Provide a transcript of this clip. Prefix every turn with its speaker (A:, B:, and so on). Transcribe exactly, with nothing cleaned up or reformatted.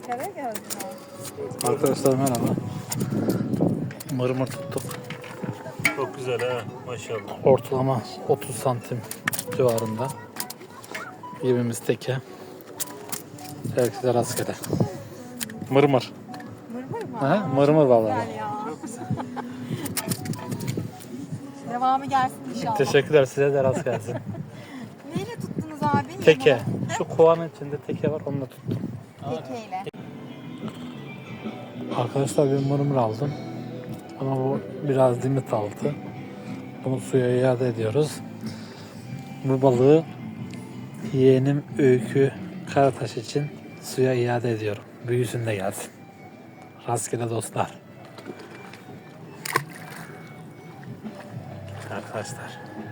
A: Ankara geldim.
B: Arkadaşlar merhaba. Mırmır tuttuk.
C: Çok güzel ha maşallah.
B: Ortalama otuz santim civarında. Yemimiz teke. Herkese rastgele. Mırmır.
A: Mırmır mı?
B: Ha? Mırmır vallahi.
A: Güzel ya. Devamı gelsin inşallah.
B: Teşekkürler, size de rast gelsin.
A: Neyle tuttunuz abi?
B: Teke. Şu kovanın içinde teke var, onunla tuttum.
A: Tekeyle.
B: Arkadaşlar bir mırmır aldım. Ama bu biraz limit altı. Bunu suya iade ediyoruz. Bu balığı yeğenim Öykü Karataş için suya iade ediyorum. Büyüsün de gelsin. Rastgele dostlar. Arkadaşlar.